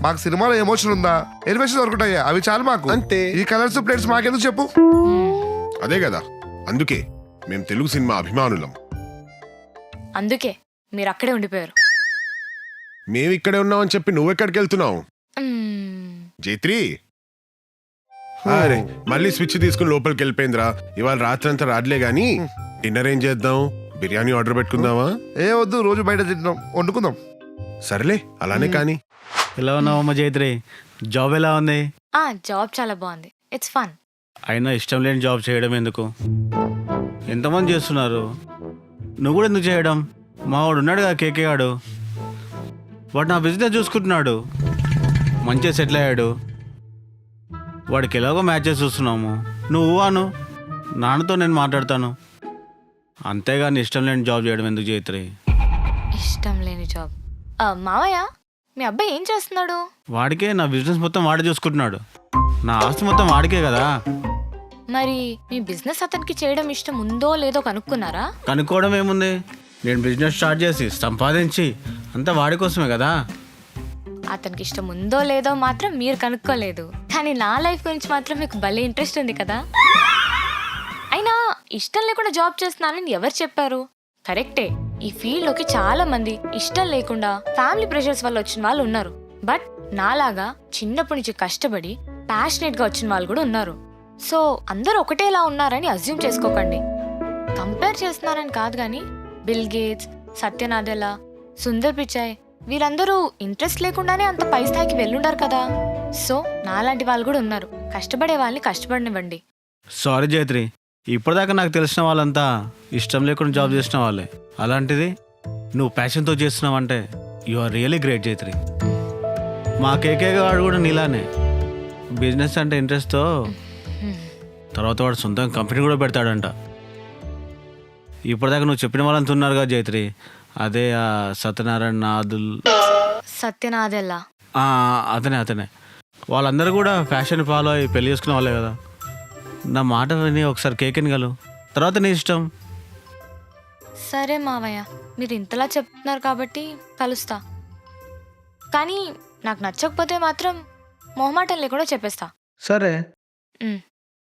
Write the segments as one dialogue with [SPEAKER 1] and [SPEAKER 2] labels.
[SPEAKER 1] మాకు సినిమాలో ఎమోషన్ ఉందా, ఎలివేషన్ దొరుకుతాయా, అవి చాలు మాకు.
[SPEAKER 2] అంతే.
[SPEAKER 1] ఈ కలర్స్ ప్లేట్స్ మాకెందుకు చెప్పు.
[SPEAKER 2] అదే కదా, అందుకే మేము తెలుగు సినిమా అభిమానులం.
[SPEAKER 3] అందుకే మీరు అక్కడే ఉండిపోయారు.
[SPEAKER 2] మేము ఇక్కడే ఉన్నామని చెప్పి నువ్వెక్కడికి వెళ్తున్నావు జైత్రి? అరే మళ్ళీ స్విచ్ తీసుకుని లోపలికి వెళ్ళిపోయిందిరా. ఇవాళ రాత్రి అంతా రాట్లే గాని డిన్నర్ ఏం చేద్దాం? బిర్యానీ ఆర్డర్ పెట్టుకుందామా?
[SPEAKER 1] ఏ వద్దు, రోజు బయట తింటున్నాం, వండుకుందాం.
[SPEAKER 2] సరేలే అలానే కానీ.
[SPEAKER 4] ఎలా ఉన్నావమ్మ జైత్రి? జాబ్ ఎలా ఉంది?
[SPEAKER 3] జాబ్ చాలా బాగుంది. It's fun.
[SPEAKER 4] అయినా ఇష్టం లేని జాబ్ చేయడం ఎందుకు? ఎంతమంది చేస్తున్నారు, నువ్వు కూడా ఎందుకు చేయడం? మా వాడు ఉన్నాడు కదా కేకే గాడు, వాడు నా బిజినెస్ చూసుకుంటున్నాడు, మంచిగా సెటిల్ అయ్యాడు. వాడికి ఎలాగో మ్యాచెస్ చూస్తున్నాము. నువ్వు అను, నాన్నతో నేను మాట్లాడతాను. అంతేగాని ఇష్టం లేని జాబ్ చేయడం ఎందుకు జైత్రి?
[SPEAKER 3] ఇష్టం లేని జాబ్? మావయ్య, మీ అబ్బాయి ఏం చేస్తున్నాడు?
[SPEAKER 4] వాడికే నా బిజినెస్ మొత్తం వాడే చూసుకుంటున్నాడు. నా ఆస్తి మొత్తం వాడికే కదా.
[SPEAKER 3] మరి మీ బిజినెస్ అతనికి చేయడం ఇష్టం ఉందో లేదో కనుక్కున్నారా?
[SPEAKER 4] కనుక్కోవడం ఏముంది, నేను బిజినెస్ స్టార్ట్ చేసి సంపాదించి అంతా వాడి కోసమే కదా.
[SPEAKER 3] అతనికి ఇష్టం ఉందో లేదో మాత్రం మీరు కనుక్కోలేదు, కానీ నా లైఫ్ గురించి మాత్రం మీకు భలే ఇంట్రెస్ట్ ఉంది కదా. అయినా ఇష్టం లేకుండా జాబ్ చేస్తున్నానని ఎవరు చెప్పారు? కరెక్టే, ఈ ఫీల్డ్లోకి చాలా మంది ఇష్టం లేకుండా ఫ్యామిలీ ప్రెషర్స్ వల్ల వచ్చిన వాళ్ళు ఉన్నారు. బట్ నాలాగా చిన్నప్పటి నుంచి కష్టపడి ప్యాషనేట్గా వచ్చిన వాళ్ళు కూడా ఉన్నారు. సో అందరూ ఒకటేలా ఉన్నారని అజ్యూమ్ చేసుకోకండి. కంపేర్ చేస్తున్నారని కాదు, కానీ బిల్ గేట్స్, సత్య నాదెల్లా, సుందర్ పిచాయ్ వీళ్ళందరూ ఇంట్రెస్ట్ లేకుండానే అంత పై స్థాయికి వెళ్ళుండారు కదా. సో నాలాంటి వాళ్ళు కూడా ఉన్నారు. కష్టపడే వాళ్ళని కష్టపడనివ్వండి.
[SPEAKER 4] సారీ జైత్రి, ఇప్పటిదాకా నాకు తెలిసిన వాళ్ళంతా ఇష్టం లేకుండా జాబ్ చేసిన వాళ్ళే. అలాంటిది నువ్వు ప్యాషన్తో చేస్తున్నావంటే you are really great Jaitri. మా కేకే గారు కూడా నీలానే బిజినెస్ అంటే ఇంట్రెస్ట్తో తర్వాత వాడు సొంతంగా కంపెనీ కూడా పెడతాడంట. ఇప్పటిదాకా నువ్వు చెప్పిన వాళ్ళంతా ఉన్నారు కదా జైత్రి, అదే ఆ సత్యనారాయణ నాదుల్,
[SPEAKER 3] సత్యనాదెల్లా,
[SPEAKER 4] అతనే వాళ్ళందరూ కూడా ఫ్యాషన్ ఫాలో అయ్యి పెళ్లి చేసుకునే వాళ్ళే కదా. నా మాట విని ఒకసారి కేకెన్ గలు, తర్వాత నీ ఇష్టం.
[SPEAKER 3] సరే మావయ్య, మీరు ఇంతలా చెప్తున్నారు కాబట్టి కలుస్తా. కానీ నాకు నచ్చకపోతే మాత్రం మొహమాటం లేకుండా చెప్పేస్తా.
[SPEAKER 5] సరే.
[SPEAKER 3] ఉమ్.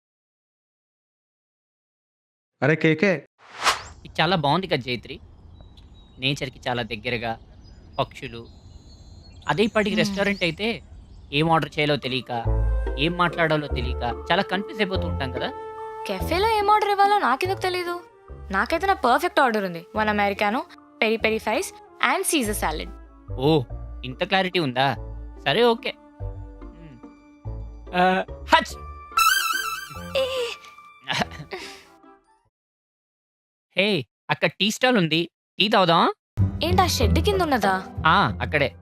[SPEAKER 5] అరే కేకే,
[SPEAKER 6] ఇది చాలా బాగుంది కదా జైత్రి. నేచర్కి చాలా దగ్గరగా, పక్షులు. అదే ఇప్పటికి రెస్టారెంట్ అయితే ఏం ఆర్డర్ చేయాలో తెలియక, ఏం మాట్లాడాలో తెలియక చాలా కన్ఫ్యూజ్ అయిపోతూ ఉంటాం కదా.
[SPEAKER 3] కెఫేలో ఏం ఆర్డర్ ఇవ్వాలో నాకెందుకు తెలీదు? నాకైతే నా పర్ఫెక్ట్ ఆర్డర్ ఉంది. 1 americano, peri peri fries and Caesar salad.
[SPEAKER 6] ఓ, ఇంత క్లారిటీ ఉందా? సరే ఓకే. హచ్. హే, అక్కడ టీ స్టాల్ ఉంది, టీ తాగుదాం.
[SPEAKER 3] ఏంటి ఆ షెడ్ కింద ఉన్నదా?
[SPEAKER 6] అక్కడే.